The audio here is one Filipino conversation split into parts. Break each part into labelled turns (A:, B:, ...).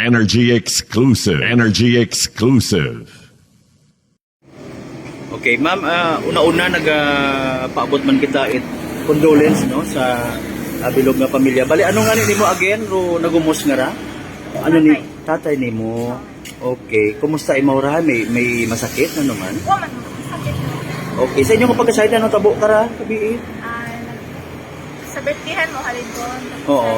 A: Energy exclusive. Energy exclusive.
B: Okay, ma'am, una-una nagpaabot man kita condolence no sa bilog nga pamilya. Bali ano nga ni mo again ro nagumos nga ra? Ano ni tatay nimo? Okay, kumusta imaw ra? May masakit na naman?
C: Wa man sakit.
B: Okay, sa inyo ko pagkasayt ano tabo ka ra kabi?
C: Sa birthdayan mo halin ko.
B: Oo.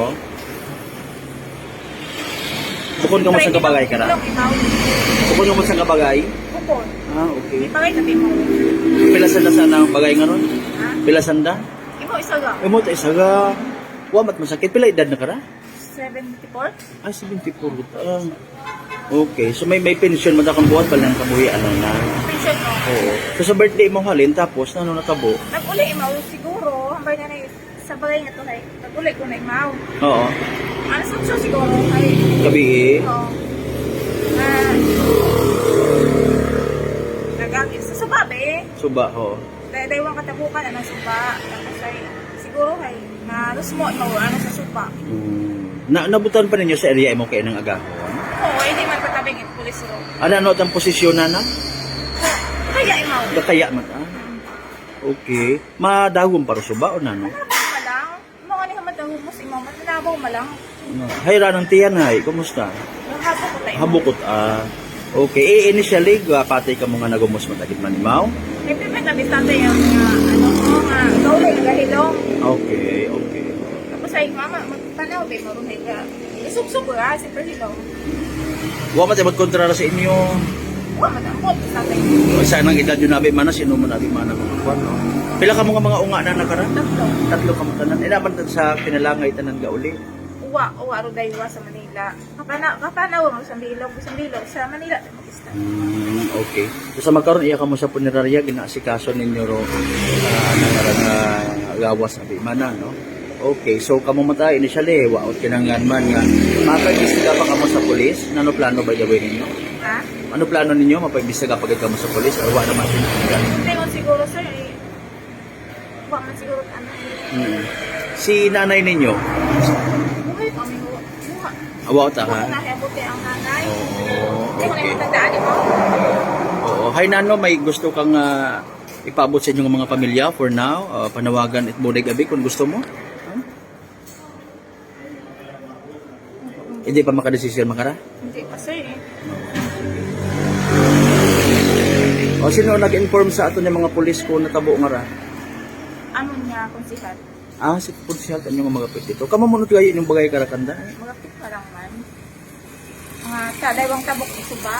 B: Bukod ka mo sa kabagay ka ra? Bukod ka mo sa kabagay?
C: Bukod.
B: Ah, okay.
C: Pagay tabi mo.
B: Pila sanda sana ang bagay nga ron?
C: Ha?
B: Pila sanda?
C: Imo isa ga.
B: Imo ta isaga. Wa mat masakit pila edad na kara?
C: 74.
B: Ah, 74 ta. Okay, so may pension man akong buhat pala ng kabuhi ano na.
C: Pension mo.
B: Oo. So sa birthday mo halin tapos ano natabo?
C: Nag-uli imaw siguro. Hambay na sa bagay nga to hay. Nag-uli ko na imaw.
B: Oo.
C: Ano sa siguro hay.
B: Gabi.
C: Oo. Nagagit sa suba be.
B: Suba ho.
C: Daywang katabukan ano suba. Tapos ay siguro hay na lusmo imaw ano sa suba.
B: Nabutan pa ninyo sa area mo kay nang agahon.
C: Oo, hindi man patabing it pulis ro.
B: Ano ang posisyon na na?
C: Kaya imaw.
B: Kaya man ah. Okay. Madagom para suba o nano?
C: Nabaw ma lang. Mga ni hamatang humus imaw. Nabaw ma lang.
B: Hayra ng tiyan hay, kumusta?
C: Yung habo ko tayo.
B: Habukot ah. Okay, initially patay ka mo nga nagumos matagit manimaw.
C: May pipit na bitante yung ano mo nga. Gawin nga hilong.
B: Okay, okay.
C: Tapos ay mama, magpanaw ba marunay ka. Isubsub ka, siyempre hilong.
B: Wa man tayo magkontra sa inyo.
C: Huwag matangkot sa atin.
B: Isa nang edad yun nabi mana, sino man nabi mana kung no? Pila ka mo nga mga unga na nakara? Tatlo ka mo tanan. Naman sa pinalangay tanan ga uli.
C: Uwa ro daywa sa Manila. Kapanaw mo sa Bilog sa Manila magista.
B: Okay. So sa magkaroon iya ka mo sa punerarya ginaasikaso ninyo ro ano nga gawas abi mana no. Okay, so kamo mata initially waot kinangan man nga mapag-istiga pa kamo sa pulis. Ano plano ba gawin ninyo?
C: Ha?
B: Ano plano ninyo mapag-istiga pagit kamo sa pulis or wa naman sila?
C: Tingon siguro sir eh. Huwag man siguro ano.
B: Si nanay ninyo,
C: Buhay kami buha.
B: awa ta ha?
C: Huwag nahiabuti ang nanay.
B: Oo,
C: Hindi ko na
B: okay.
C: matandaan mo.
B: Oo. Hi Nano, may gusto kang ipaabot sa inyong mga pamilya for now. Panawagan at buday gabi kung gusto mo. Huh? Hindi pa makadesisyon makara?
C: Hindi pa sir eh.
B: O sino nag-inform sa ato ng mga pulis ko natabo nga ra?
C: Ano niya konsihat?
B: Ah, si Punsyal kanyo nga mga pwede dito. Kamo munot kayo yung bagay karakanda?
C: Mga pa lang man. Mga tadaywang tabok ng suba.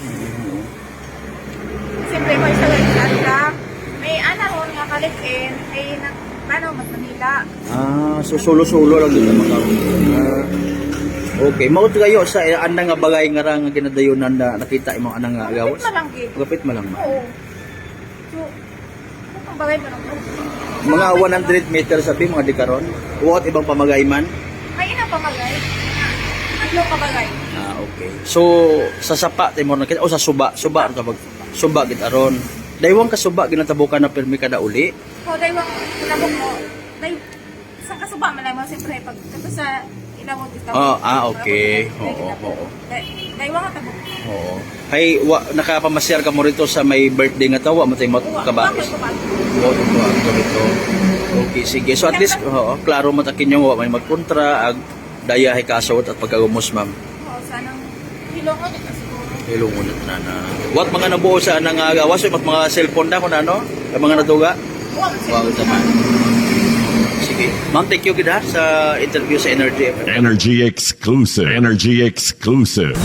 C: Siyempre ko isa lang ka. May anak ko nga kalikin. May paano mas Manila.
B: Ah, so solo-solo lang dito mga okay, maut kayo sa anang nga bagay nga ra nga ginadayonan na nakita imong anang nga gawas.
C: Kapit malang gid.
B: Gapit malang ma.
C: Oo. So, kung bagay mo lang.
B: Mga 100 meters sabi mga dikaron. Uwat ibang pamagay man.
C: May ina pamagay. Tatlo pamagay.
B: Ah, okay. So sa sapa timor na kita o sa suba ang kabag suba gid aron. Daywang ka suba ginatabukan na permi kada uli.
C: O daywang tinabok mo. Sa kasuba man lang mo siyempre pag kato sa ilawod dito.
B: Okay. Oo.
C: Daywang tabok.
B: Oo. Hay nakapamasyar ka mo rito sa may birthday nga tawa mo tay kabais. Oo, rito. Okay, sige. So at least klaro matakin yung wa may magkontra ag daya hay kasawat at pagkagumos ma'am.
C: Oo, sanang hilongon ito siguro.
B: Hilungon na na. Wat mga nabuo sa nang gawas at mga cellphone na kun ano? Ang mga natuga. Wow, naman. Sige. Ma'am, thank you gid ha sa interview sa Energy FM.
A: Energy exclusive. Energy exclusive.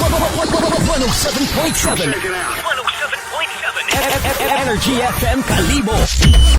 D: 107.7 Energy FM Kalibo.